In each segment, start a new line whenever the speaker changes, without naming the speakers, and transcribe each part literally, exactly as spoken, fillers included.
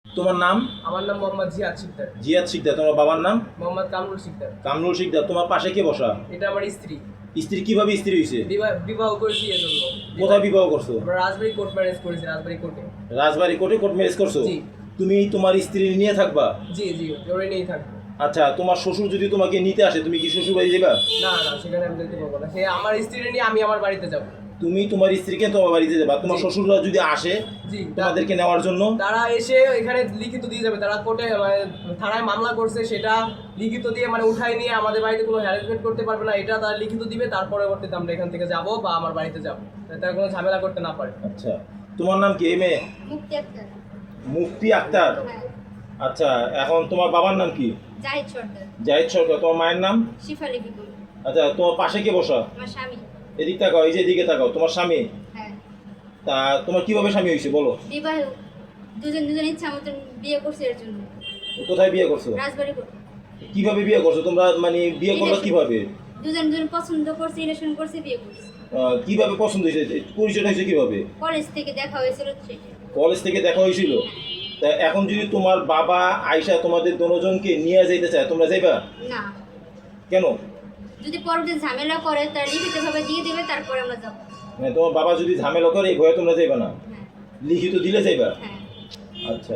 তোমার নাম?
আমার নাম মোহাম্মদ জিয়াদ শিকদার।
জিয়াদ শিকদার। তোমার বাবার নাম?
মোহাম্মদ কামরুল শিকদার।
কামরুল শিকদার। তোমার পাশে কে বসা?
এটা আমার স্ত্রী।
স্ত্রী কিভাবে স্ত্রী হয়েছে?
বিবাহ করেছি এজন্য।
কোথায় বিবাহ করছো?
আমরা রাজবাড়ী কোর্ট ম্যারেজ করেছি। রাজবাড়ী কোর্টে।
রাজবাড়ী কোর্টে কোর্ট ম্যারেজ করছো?
জি।
তুমি তোমার স্ত্রী নিয়ে থাকবা?
জি জি, ওরে নিয়েই থাকবো।
আচ্ছা, তোমার শ্বশুর যদি তোমাকে নিতে আসে, তুমি কি শ্বশুর বাড়ি যাবা?
না না, সেখানে আমি যেতে পারবো না। সে আমার স্ত্রী নিয়ে আমি আমার বাড়িতে যাব।
তুমি তোমার স্ত্রীকে তোমার বাড়িতে যাবা। তোমার শ্বশুররা যদি আসে
জি,
তোমাদেরকে নেওয়ার জন্য,
তারা এসে এখানে লিখিত দিয়ে যাবে। তারা কোর্টে মানে থানায় মামলা করছে, সেটা লিখিত দিয়ে মানে উঠাই নিয়ে আমাদের বাড়িতে কোনো হ্যারাসমেন্ট করতে পারবে না, এটা তারা লিখিত দিবে। তার পরবর্তীতে আমরা এখান থেকে যাব বা আমার বাড়িতে যাব, তারা কোনো ঝামেলা করতে না পারে।
আচ্ছা, তোমার নাম কি? মেয়ে
মুক্তি আক্তার।
মুক্তি আক্তার।
হ্যাঁ।
আচ্ছা, এখন তোমার বাবার নাম কি?
জাহিদ সর্দার।
জাহিদ সরকার। তোমার মায়ের নাম?
শিফালি বিপুল।
আচ্ছা, তোমার পাশে কে বসা?
আমার স্বামী।
এদিক তাকাও, এই যে এদিকে তাকাও। তোমার স্বামী?
হ্যাঁ।
তা তোমার কিভাবে স্বামী হয়েছে বলো?
বিবাহ, দুজন দুজন ইচ্ছা মতন বিয়ে করছে এর জন্য।
কোথায় বিয়ে করছো?
রাজবাড়ী কোর্ট।
কিভাবে বিয়ে করছো তোমরা? মানে বিয়ে করলো কিভাবে?
দুজন দুজন পছন্দ করছে, রিলেশন করছে, বিয়ে করছে।
আহ, কিভাবে পছন্দ হয়েছে? পরিচয় হয়েছে কিভাবে?
কলেজ থেকে দেখা হয়েছিল সেটা।
কলেজ থেকে দেখা হয়েছিল? তা এখন যদি তোমার বাবা আয়শা তোমাদের দুজনকে নিয়ে যাইতে চায়, তোমরা যাইবা?
না,
কেন?
যদি পরবর্তী ঝামেলা করে তার লিখিতভাবে দিয়ে দেবে, তারপরে আমরা যাব।
মানে তোমার বাবা যদি ঝামেলা করে এই ভয়ে তোমরা যাইবা না?
হ্যাঁ।
লিখিত দিলে যাইবা?
হ্যাঁ।
আচ্ছা,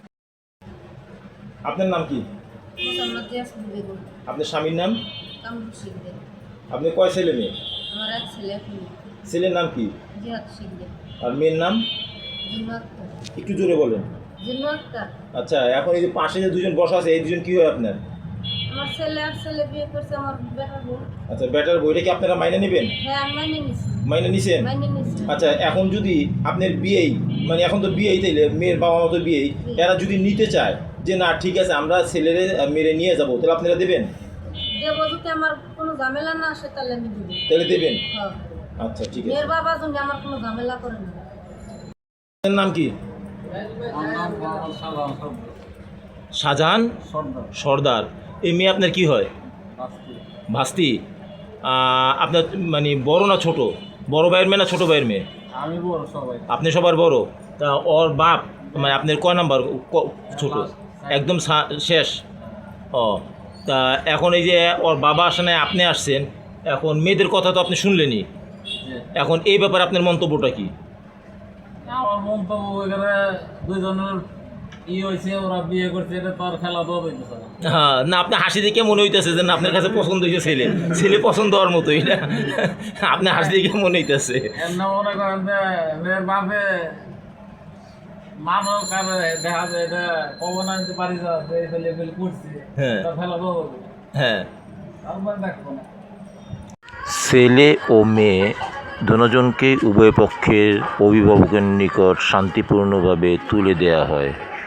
আপনার নাম কি?
মোহাম্মদ ইয়াসমিন বেগম।
আপনার স্বামীর নাম?
কামরুল শিকদার।
আপনি কয় ছেলে মেয়ে?
আমার এক ছেলে, এক মেয়ে।
ছেলের নাম কি?
জিয়াদ শিকদার।
আর মেয়ের নাম?
জিন্নু আক্তার।
একটু জোরে বলেন।
জিন্নু আক্তার।
আচ্ছা, এখন এই যে পাশে যে দুজন বসা আছে, এই দুজন কি হয় আপনার?
আমার ছেলে আর ছেলে বিয়ে করছে, আমার বেটার বোন।
আচ্ছা, বেটার বইটা কি আপনারা মাইনে নেবেন?
হ্যাঁ, আমি মাইনে নিছি।
মাইনে নিছেন?
মাইনে নিছি।
আচ্ছা, এখন যদি আপনার বিয়েই মানে এখন তো বিয়েই তাইলে মেয়ের বাবা মা তো বিয়েই, এরা যদি নিতে চায় যে না ঠিক আছে আমরা ছেলেরে মেরে নিয়ে যাবো, তাহলে আপনারা দেবেন?
দেবো, যদি আমার কোনো ঝামেলা না আসে তাহলে আমি দেবো।
তাহলে দেবেন?
হ্যাঁ।
আচ্ছা, ঠিক আছে।
মেয়ের বাবা যদি আমার কোনো ঝামেলা করে না।
আপনার নাম কি? শাহজাহান সর্দার। এই মেয়ে আপনার কি হয়? ভাস্তি। আহ, আপনার মানে বড় না ছোট? বড় ভাইয়ের মেয়ে না ছোট ভাইয়ের মেয়ে?
আমি বড় সবাই।
আপনি সবার বড়। তা ওর বাপ মানে আপনার কয় নাম্বার? ছোট একদম শেষ। ও, তা এখন এই যে ওর বাবা আসে না, আপনি আসছেন, এখন মেয়েদের কথা তো আপনি শুনলেনই, এখন এই ব্যাপারে আপনার মন্তব্যটা কি?
আমার মন্তব্য এখানে দুইজনের ই হয়েছে, ওরা বিয়ে করছে, এটা তো আর খেলা দেওয়া হইতেছে না।
হ্যাঁ, না আপনি হাসি দেখে মনে হইতেছে যে না আপনার কাছে পছন্দ হয়েছে ছেলে, ছেলে পছন্দ হওয়ার মতোই না, আপনি হাসি দেখে মনে হইতেছে।
এর না মনে করেন যে মেয়ের বাপে মানব কারে দেখা যায় এটা কবর আনতে পারি যা যে ছেলে ফেলে করছে,
হ্যাঁ।
এটা খেলা দেওয়া হবে।
হ্যাঁ,
তারপরে দেখবো না।
ছেলে ও মেয়ে দুজনকেই উভয় পক্ষের অভিভাবকের নিকট শান্তিপূর্ণভাবে তুলে দেয়া হয়।